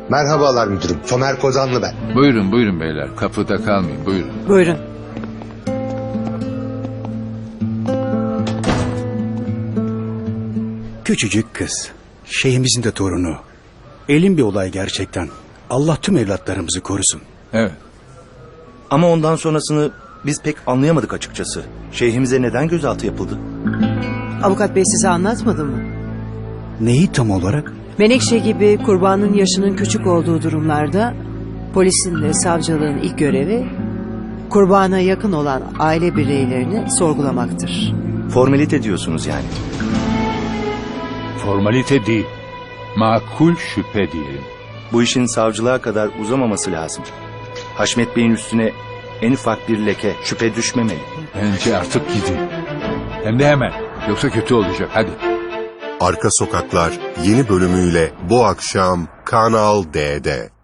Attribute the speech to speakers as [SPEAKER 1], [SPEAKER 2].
[SPEAKER 1] Merhabalar müdürüm. Somer Kozanlı ben.
[SPEAKER 2] Buyurun buyurun beyler. Kapıda kalmayın buyurun.
[SPEAKER 3] Buyurun.
[SPEAKER 4] Küçücük kız. Şeyhimizin de torunu. Elin bir olay gerçekten. Allah tüm evlatlarımızı korusun.
[SPEAKER 2] Evet.
[SPEAKER 5] Ama ondan sonrasını biz pek anlayamadık açıkçası. Şeyhimize neden gözaltı yapıldı?
[SPEAKER 3] Avukat bey size anlatmadı mı?
[SPEAKER 4] Neyi tam olarak?
[SPEAKER 3] Menekşe gibi kurbanın yaşının küçük olduğu durumlarda polisin ve savcılığın ilk görevi kurbana yakın olan aile bireylerini sorgulamaktır.
[SPEAKER 5] Formalite diyorsunuz yani.
[SPEAKER 2] Formalite değil. Makul şüphe diyelim.
[SPEAKER 5] Bu işin savcılığa kadar uzamaması lazım. Haşmet Bey'in üstüne en ufak bir leke, şüphe düşmemeli.
[SPEAKER 2] Bence artık gidin. Hem de hemen. Yoksa kötü olacak hadi.
[SPEAKER 6] Arka Sokaklar yeni bölümüyle bu akşam Kanal D'de.